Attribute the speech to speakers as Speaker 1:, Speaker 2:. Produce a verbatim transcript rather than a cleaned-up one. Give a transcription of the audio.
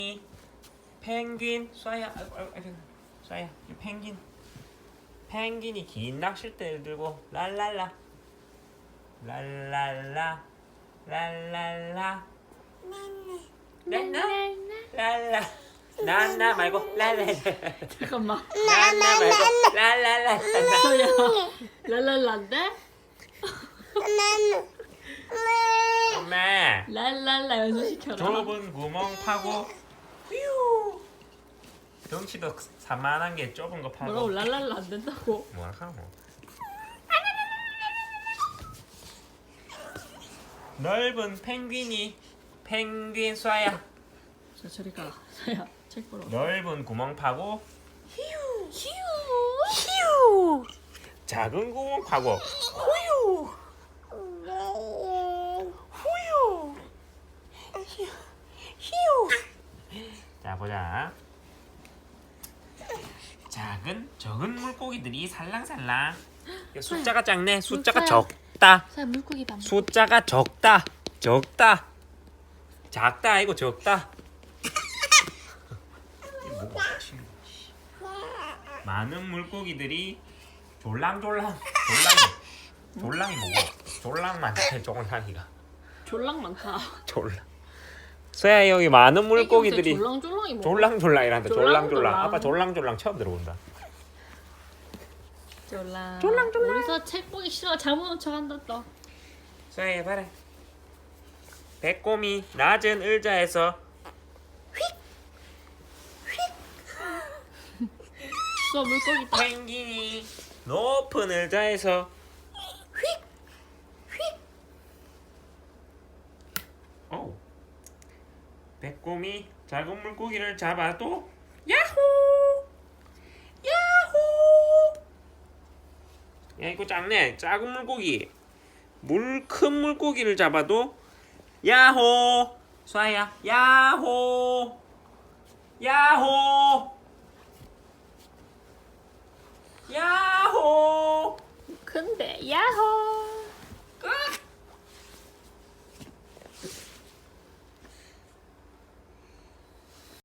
Speaker 1: 펭귄 쏴야 아이고 아이고 아이고 쏴야 이 펭귄 펭귄이 긴 낚싯대를 들고 랄랄라 랄랄라 랄랄라 랄라 랄라 나나 말고 랄랄라
Speaker 2: 잠깐만.
Speaker 1: 나나 말고 랄랄라
Speaker 2: 소야. 랄랄라인데?
Speaker 1: 엄마
Speaker 2: 랄랄라 연습시켜라.
Speaker 1: 좁은 구멍 파고 휴 덩치도 산만한 게 좁은 거 파고
Speaker 2: 뭐라고 랄랄라 안 된다고?
Speaker 1: 뭐라 하노 넓은 펭귄이 펭귄 쏴야
Speaker 2: 자 저리 가. 소야 책 보러.
Speaker 1: 넓은 구멍 파고
Speaker 2: 휴.
Speaker 1: 휴 작은 구멍 파고 후유 후유 휴 자 보자 작은 적은 물고기들이 살랑살랑 야, 숫자가 작네 숫자가
Speaker 2: 물고기야.
Speaker 1: 적다
Speaker 2: 소야 물고기 밥.
Speaker 1: 숫자가 적다 적다 작다 아니고 적다 이게 뭐가 친구. 많은 물고기들이 졸랑졸랑 졸랑이 졸랑이 뭐고 졸랑 많대 졸랑이가
Speaker 2: 졸랑 많다.
Speaker 1: 졸랑 서야 여기 많은 물고기들이
Speaker 2: 졸랑졸랑이 뭐?
Speaker 1: 졸랑졸랑이란다 졸랑졸랑
Speaker 2: 졸랑졸랑.
Speaker 1: 아빠 졸랑졸랑 처음 들어본다
Speaker 2: 졸랑.
Speaker 1: 졸랑졸랑.
Speaker 2: 우리서 책 보기 싫어. 잘못 놓쳐간다 또.
Speaker 1: 서야 봐라 배꼽이 낮은 의자에서
Speaker 2: 수 물고기 다.
Speaker 1: 펭귄이 높은 의자에서 오. 배꼽이 작은 물고기를 잡아도 야호 야호 야 이거 작네 작은 물고기 물 큰 물고기를 잡아도 야호 쏴야 야호 야호 야호
Speaker 2: 근데 야호.